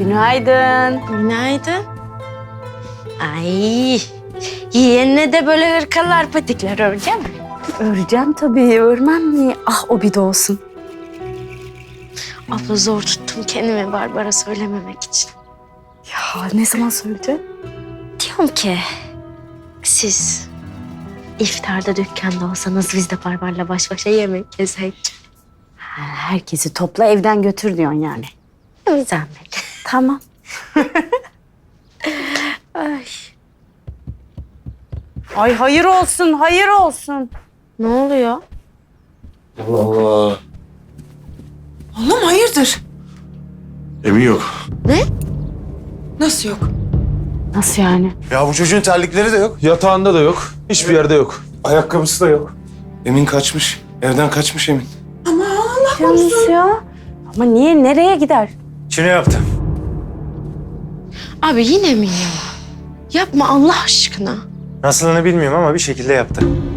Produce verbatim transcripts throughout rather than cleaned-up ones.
Günaydın. Günaydın. Ay, yeğenine de böyle hırkalar, patikler öreceğim mi? Öreceğim tabii, örmem mi? Ah, o bir de olsun. Abla zor tuttum kendimi Barbara söylememek için. Ya ne zaman söyleyeceksin? Diyorum ki siz iftarda dükkanda olsanız biz de Barbar'la baş başa yemek yesek. Ha, herkesi topla evden götür diyorsun yani. Bir zahmet. Tamam. Ay. Ay hayır olsun, hayır olsun. Ne oluyor? Allah Allah. Oğlum hayırdır? Emin yok. Nasıl yok? Nasıl yani? Ya bu çocuğun terlikleri de yok. Yatağında da yok. Hiçbir yerde yok. Ayakkabısı da yok. Emin kaçmış. Evden kaçmış Emin. Nasıl ya? Ama niye, nereye gider? Çine yaptı. Abi yine mi ya? Yapma Allah aşkına. Nasılını bilmiyorum ama bir şekilde yaptı.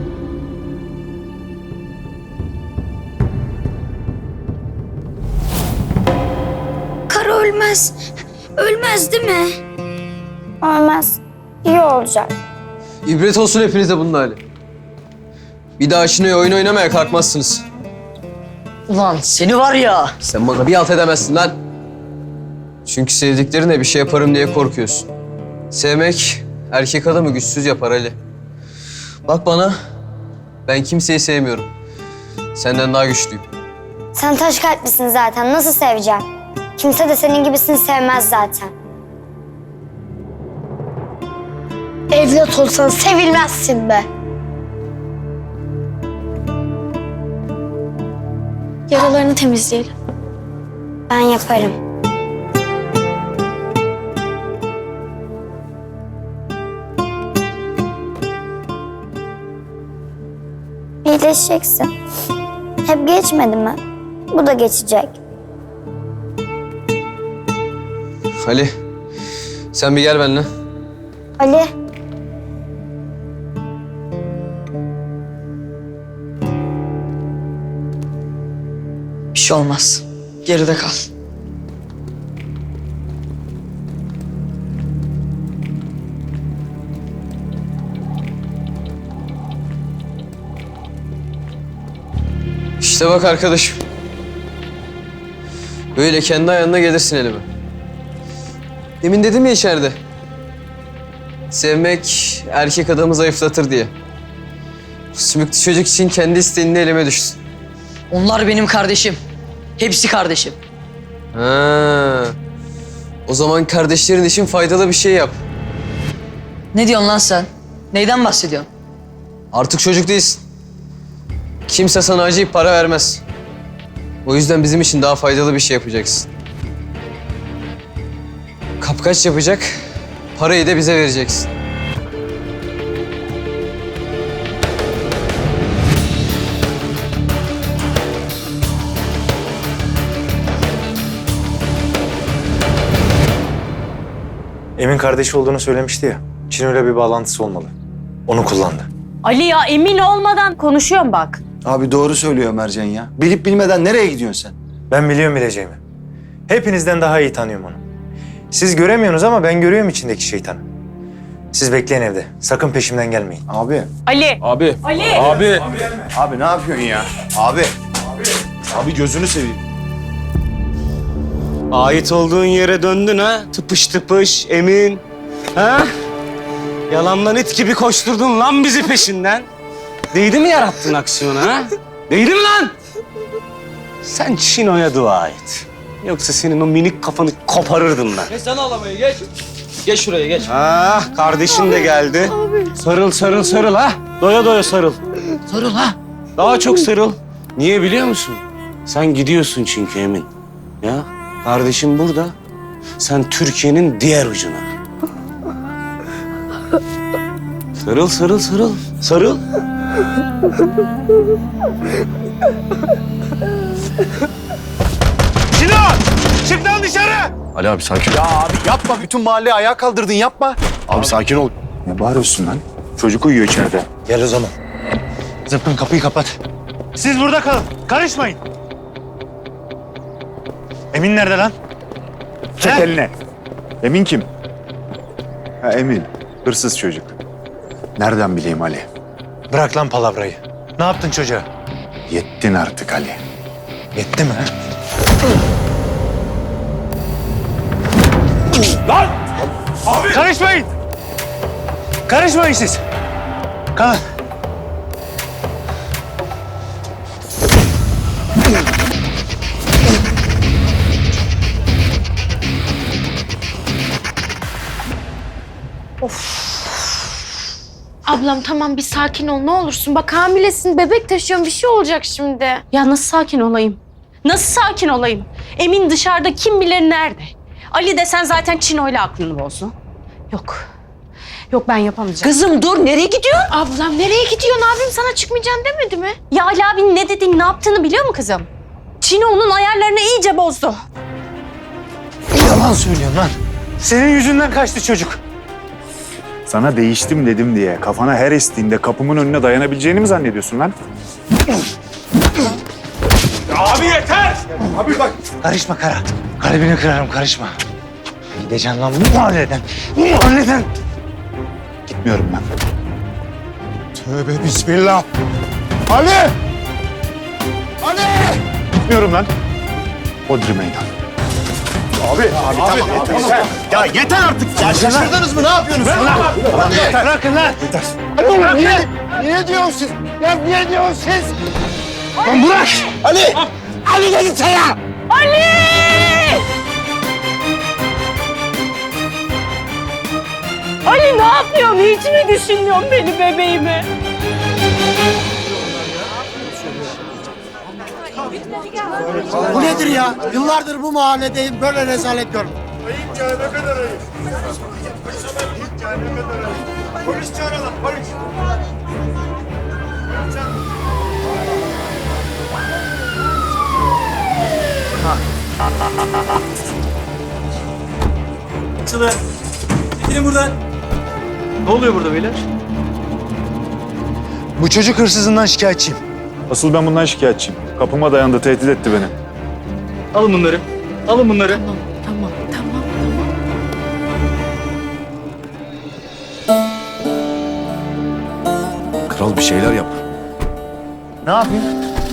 Kara ölmez. Ölmez değil mi? Ölmez. İyi olacak. İbret olsun hepinize bunun hali. Bir daha şimdi oyun oynamaya kalkmazsınız. Ulan seni var ya. Sen bana bir alt edemezsin lan. Çünkü sevdiklerine bir şey yaparım diye korkuyorsun. Sevmek erkek adamı güçsüz yapar Ali. Bak bana, ben kimseyi sevmiyorum. Senden daha güçlüyüm. Sen taş kalplisin zaten. Nasıl seveceğim? Kimse de senin gibisini sevmez zaten. Evlat olsan sevilmezsin be. Yaralarını temizleyelim. Ben yaparım. İyileşeceksin. Hep geçmedi mi? Bu da geçecek. Ali, sen bir gel benimle. Ali. Bir şey olmaz. Geride kal. İşte bak arkadaşım. Böyle kendi ayağına gelirsin elime. Demin dedim ya içeride. Sevmek erkek adamı zayıflatır diye. Sümüklü çocuk için kendi isteğinle elime düşsün. Onlar benim kardeşim. Hepsi kardeşim. Ha. O zaman kardeşlerin için faydalı bir şey yap. Ne diyorsun lan sen? Neyden bahsediyorsun? Artık çocuk değilsin. Kimse sana acıyıp para vermez. O yüzden bizim için daha faydalı bir şey yapacaksın. Kapkaç yapacak, parayı da bize vereceksin. Emin kardeşi olduğunu söylemişti ya. Çino'yla bir bağlantısı olmalı. Onu kullandı. Ali ya, emin olmadan konuşuyorum bak. Abi doğru söylüyor Mercan ya. Bilip bilmeden nereye gidiyorsun sen? Ben biliyorum bileceğimi. Hepinizden daha iyi tanıyorum onu. Siz göremiyorsunuz ama ben görüyorum içindeki şeytanı. Siz bekleyin evde. Sakın peşimden gelmeyin. Abi. Ali. Abi. Ali. Abi. Abi ne yapıyorsun ya? Abi. Abi gözünü seveyim. Ait olduğun yere döndün ha? Tıpış tıpış, emin. Ha? Yalandan it gibi koşturdun lan bizi peşinden. Değdi mi yarattığın aksiyona ha? Değdi mi lan? Sen Çino'ya dua et. Yoksa senin o minik kafanı koparırdım ben. Geç sen ağlamayı geç. Geç şuraya geç. Ah, kardeşin de geldi. Sarıl sarıl sarıl ha. Doya doya sarıl. Sarıl ha. Daha çok sarıl. Niye biliyor musun? Sen gidiyorsun çünkü Emin. Ya kardeşim burada. Sen Türkiye'nin diğer ucuna. Sarıl sarıl sarıl. Sarıl. Çino! Çık lan dışarı! Ali abi sakin ol. Ya abi yapma. Bütün mahalleyi ayağa kaldırdın yapma. Abi sakin ol. Ne bağırıyorsun lan? Çocuk uyuyor içeride. Gel o zaman. Zıpkın kapıyı kapat. Siz burada kalın. Karışmayın. Emin nerede lan? Çek eline. Emin kim? Ha, Emin. Hırsız çocuk. Nereden bileyim Ali? Bırak lan palavrayı. Ne yaptın çocuğa? Yettin artık Ali. Yetti mi? ha? Karışmayın! Karışmayın siz! Kalın. Ablam tamam bir sakin ol ne olursun. Bak hamilesin, bebek taşıyorsun, bir şey olacak şimdi. Ya nasıl sakin olayım? Nasıl sakin olayım? Emin dışarıda kim bilir nerede? Ali desen zaten Çino'yla aklını bozdu. Yok. Yok ben yapamayacağım. Kızım dur, nereye gidiyorsun? Ablam nereye gidiyorsun? Abim sana çıkmayacaksın demedi mi? Ya Ali abinin ne dediğini, ne yaptığını biliyor mu kızım? Çino onun ayarlarını iyice bozdu. Yalan söylüyorsun lan. Senin yüzünden kaçtı çocuk. Sana değiştim dedim diye kafana her estiğinde kapımın önüne dayanabileceğini mi zannediyorsun lan? Abi yeter! Abi bak. Karışma Kara. Kalbini kırarım, karışma. Gideceksin lan bu mahalleden. Bu mahalleden. Gitmiyorum ben. Tövbe bismillah. Ali! Ali! Gitmiyorum lan. Hodri meydan. Abi, abi, tamam, abi, tamam. Yeter. Ya yeter artık. Ya şaşırdınız mı? Ne yapıyorsunuz? Bırakın lan. Bırakın lan. Yeter. Hadi niye? Niye diyorsunuz siz? Ya niye diyorsunuz siz? Lan bırak! Ali! Ali dedi sana! Ali ne yapıyorsun? Hiç mi düşünmüyorsun beni, bebeğimi? Bu nedir ya? Yıllardır bu mahalledeyim, böyle rezalet görmedim. Polis çağıralım, polis. Açılın. Çekilin buradan. Ne oluyor burada beyler? Bu çocuk hırsızından şikayetçiyim. Asıl ben bundan şikayetçiyim. Kapıma dayandı, tehdit etti beni. Alın bunları. Alın bunları. Tamam, tamam, tamam, tamam. Kral bir şeyler yap. Ne yapayım?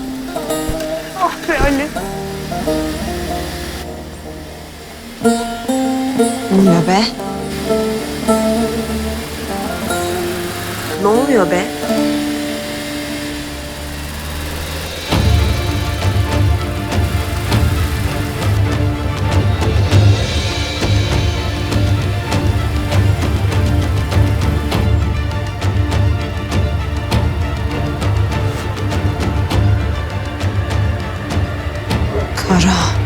Ne oluyor be? Ne oluyor be? Kara.